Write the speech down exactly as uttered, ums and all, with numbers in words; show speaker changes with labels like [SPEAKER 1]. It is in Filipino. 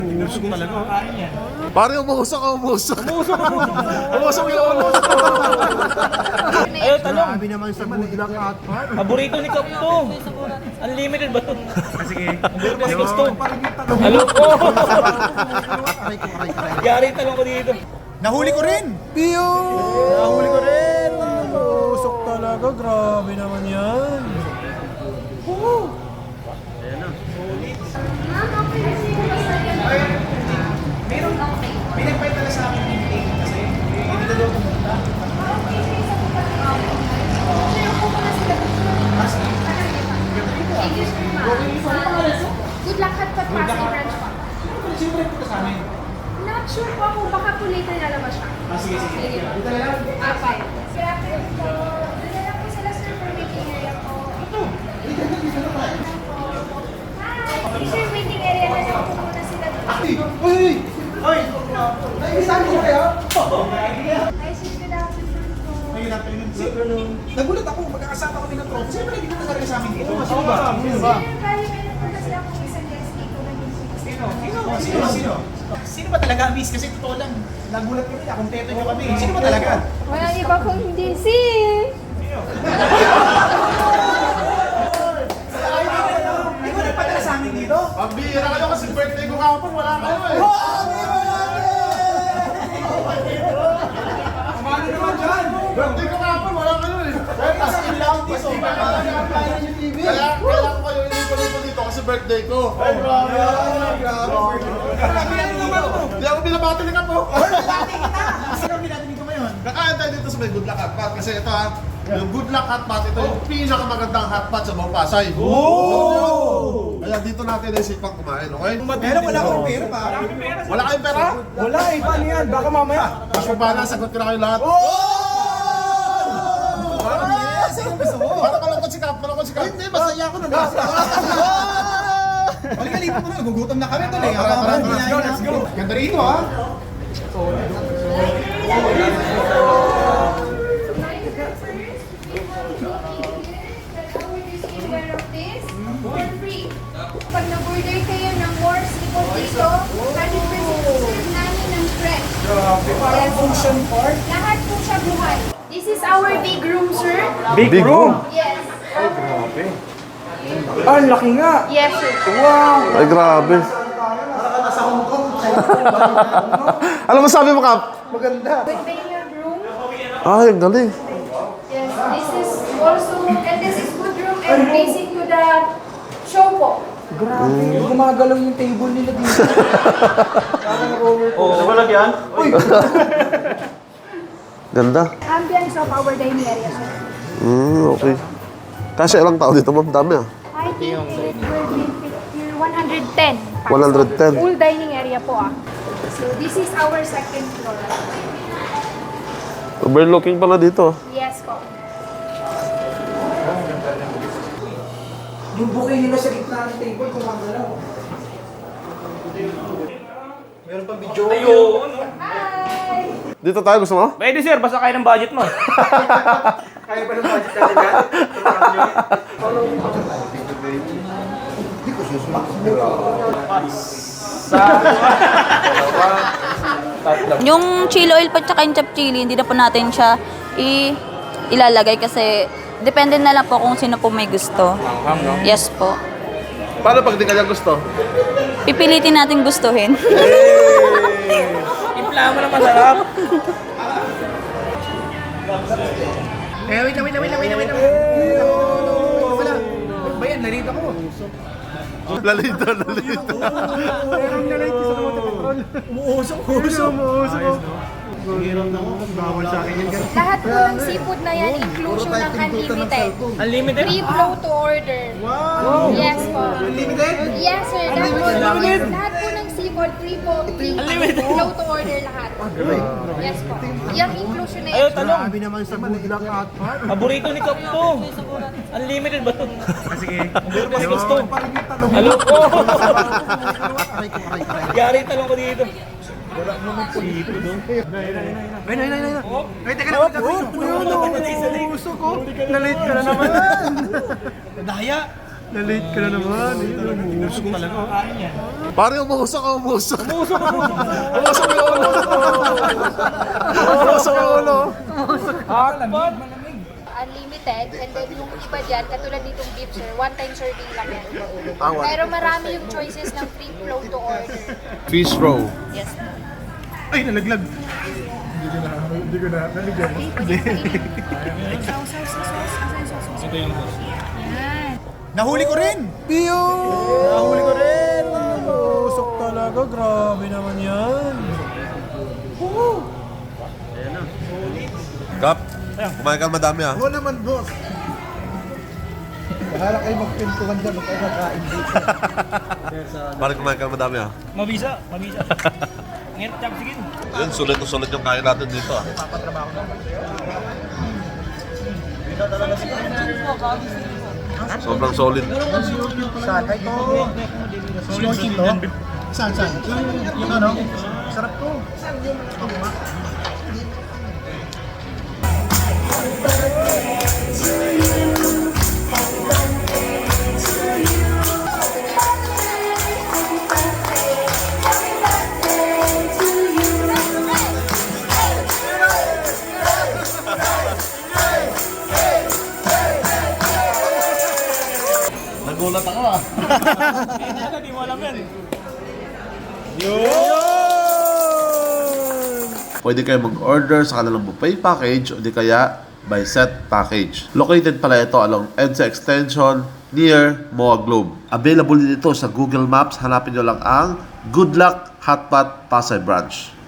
[SPEAKER 1] Umusok talaga.
[SPEAKER 2] Pare, umusok ka, umusok.
[SPEAKER 1] Umusok, umusok.
[SPEAKER 2] Umusok yung umusok.
[SPEAKER 1] Ayaw, talong.
[SPEAKER 3] Grabe naman sa good luck at part.
[SPEAKER 1] Paborito ni Kap to. Unlimited ba to?
[SPEAKER 3] Sige.
[SPEAKER 1] Paborito ni Kap to. Halo po.
[SPEAKER 3] Aray ko, aray, aray.
[SPEAKER 1] Yari talong ko dito.
[SPEAKER 3] Nahuli ko rin! Piyo! Nahuli ko rin! Usok talaga, grabe naman yan.
[SPEAKER 4] Good luck at pagpasa yung branch pa.
[SPEAKER 5] Siyempre punta sa amin.
[SPEAKER 4] Not sure po ako, baka po later na naman siya.
[SPEAKER 5] Ah, sige, sige. Dito na lang.
[SPEAKER 4] Ah, fine. Good afternoon po. Dito lang po sila sir for waiting area po.
[SPEAKER 5] Ito. Dito, dito, dito na tayo.
[SPEAKER 4] Hi! Sir, waiting area na lang po muna sila.
[SPEAKER 5] Uy! Uy! Uy! Naibisan ko kayo?
[SPEAKER 4] Hi sir, good afternoon po.
[SPEAKER 5] Ayun natin yun. Nagulat ako, magkakasama kami ng tropa. Siyempre, hindi na talaga sa amin dito. Sino ba? Sino ba?
[SPEAKER 4] Sir, bali meron po kasi ako isang guest dito na yung
[SPEAKER 5] Sino? Sino? Sino? Sino? Sino ba talaga, miss? Kasi totoo lang. Nagulat kami na, kumpleto nyo kami. Sino ba talaga?
[SPEAKER 4] Wala iba kung hindi si...
[SPEAKER 5] Hindi ko nagpadala sa amin dito.
[SPEAKER 2] Pambihira kayo kasi birthday ko kapon, wala kayo eh.
[SPEAKER 5] Kumano naman dyan?
[SPEAKER 2] Birthday ko kapon, wala kayo eh.
[SPEAKER 5] As in lang, this over. Kaya yung T V.
[SPEAKER 2] Kaya, kaya ko kayo inipo dito kasi birthday ko.
[SPEAKER 5] Ay, grabe. Grabe. Grabe yan naman mo.
[SPEAKER 2] Hindi ako binabati ni Kapo.
[SPEAKER 5] Dati kita. Sino ang binatinig ko ngayon?
[SPEAKER 2] Kakain tayo dito sa may Good Luck Hot Pot kasi ito ha, yung Good Luck Hot Pot, ito yung pinakamagandang hot pot sa buong Pasay.
[SPEAKER 5] Oh!
[SPEAKER 2] Kaya dito natin naisipang kumain, okay?
[SPEAKER 5] Pero wala akong pera pa.
[SPEAKER 2] Wala kayong pera?
[SPEAKER 3] Wala eh, paano yan? Baka mamaya.
[SPEAKER 2] Mas mabana, sagot ko na kayo lahat.
[SPEAKER 5] Yes! Ano gusto mo?
[SPEAKER 2] Para malungkot si Kap, malungkot si Kap.
[SPEAKER 5] Hindi, masaya ako na nasa. Halika, lipat mo na. Gugutom na kami tuloy.
[SPEAKER 2] Tara, tara, tara.
[SPEAKER 5] Let's go, let's go. Ganda rito ha.
[SPEAKER 4] Pag nag-order kayo ng more seafood dito, one hundred percent serve namin ng fresh.
[SPEAKER 5] Grabe, parang function part.
[SPEAKER 4] Lahat po siya buhay. This is our big room, sir.
[SPEAKER 3] Big, room.
[SPEAKER 4] Yes.
[SPEAKER 3] Ah, ang laki nga.
[SPEAKER 4] Yes, sir.
[SPEAKER 3] Wow.
[SPEAKER 2] Ay, grabe. Ano mo sabi mo, Kap?
[SPEAKER 3] Maganda.
[SPEAKER 4] Good billiard room.
[SPEAKER 2] Ay, ang galing.
[SPEAKER 4] Yes, this is also, and this is food room and facing to the show po.
[SPEAKER 3] Grabe. Gumagalaw yung table nila dito. Parang roller
[SPEAKER 1] Oo, sa balag yan?
[SPEAKER 2] Ganda.
[SPEAKER 4] Ambience of our dining area, sir.
[SPEAKER 2] Hmm, okay. Kasi ilang tao dito, ma'am? Dami ah.
[SPEAKER 4] I think it will be fifty- one hundred ten.
[SPEAKER 2] one hundred ten.
[SPEAKER 4] Full dining area po ah. So this is our second floor.
[SPEAKER 2] Overlooking pala dito.
[SPEAKER 4] Yes po.
[SPEAKER 3] Yung bouquet nila sa gitna ng table, gumagalaw. Meron pang video.
[SPEAKER 1] Ayun.
[SPEAKER 4] Hi!
[SPEAKER 2] Dito tayo, gusto mo?
[SPEAKER 1] Pwede sir, basta kaya ng budget mo.
[SPEAKER 3] Kaya pa ng budget natin yan?
[SPEAKER 6] Yung chili oil pa tsaka yung chop chili, hindi na po natin siya i ilalagay kasi depende na lang po kung sino po may gusto. Yes po.
[SPEAKER 2] Paano pag di kanya gusto?
[SPEAKER 6] Pipilitin natin gustuhin.
[SPEAKER 1] Impla mo na masarap.
[SPEAKER 5] Eh, wait lang, wait lang, wait lang, wait lang, wait lang. Wala. Ba yan, narito ako.
[SPEAKER 2] Lalito, lalito.
[SPEAKER 3] Meron na lang sa mga petrol. Umuusok. Umuusok. Umuusok. Bawal sa akin yan.
[SPEAKER 4] Lahat po ng seafood na yan, inclusion ng unlimited.
[SPEAKER 1] Unlimited?
[SPEAKER 4] Free flow to order.
[SPEAKER 3] Wow.
[SPEAKER 4] Yes po.
[SPEAKER 5] Unlimited?
[SPEAKER 4] Yes sir, lahat po, lahat po ng seafood, free po, free flow to order lahat. Yes po. Yung inclusion na
[SPEAKER 1] Ayaw,
[SPEAKER 4] yan.
[SPEAKER 1] talong.
[SPEAKER 3] Grabe naman sa good luck at part.
[SPEAKER 1] Paborito ni Kap to. Unlimited ba to? Sige. Paborito ni Kap to. Halo po.
[SPEAKER 3] Aray ko, aray, aray.
[SPEAKER 1] Yari talong ko dito.
[SPEAKER 3] Ay, nay, nay, nay. Ay, teka lang. Umuusok ko. Nalate ka na naman.
[SPEAKER 5] Daya.
[SPEAKER 3] Na-late ka na naman. Umusok talaga.
[SPEAKER 2] Pare, umuusok ka, umuusok. Umuusok, umuusok. Umuusok yung ulo. Umuusok yung ulo.
[SPEAKER 4] Unlimited, and then yung iba dyan, katulad nitong beef sir, one time serving lang yan.
[SPEAKER 2] Ah, one.
[SPEAKER 4] Pero marami yung choices ng free flow to order.
[SPEAKER 2] Fish roll.
[SPEAKER 4] Yes po.
[SPEAKER 5] Ay, nalaglag.
[SPEAKER 3] Hindi ko na, hindi ko na, naligyan.
[SPEAKER 1] Ito yung boss.
[SPEAKER 5] Nahuli ko rin.
[SPEAKER 3] Piyo! Nahuli ko rin! Usok talaga, grabe naman yan.
[SPEAKER 2] Kap, kumain ka madami ah.
[SPEAKER 3] Oo naman, boss. Bahala kayo magpintuhan dyan, huwag kayo kakain dito.
[SPEAKER 2] Pare, kumain ka madami ah.
[SPEAKER 1] Mabisa, mabisa. Ngayon, chap, sige.
[SPEAKER 2] Yun, sulit na sulit yung kain natin dito ah. Sobrang solid.
[SPEAKER 5] Saan? Ay, ito. Snorkel to? Saan, saan? Yung ano? Sarap to.
[SPEAKER 2] Nagulat ako ah.
[SPEAKER 1] Hindi mo alam yan.
[SPEAKER 2] Pwede kayo mag-order sa kanilang buffet package o di kaya by set package. Located pala ito along EDSA Extension near M O A Globe. Available din ito sa Google Maps. Hanapin nyo lang ang Good Luck Hotpot Pasay Branch.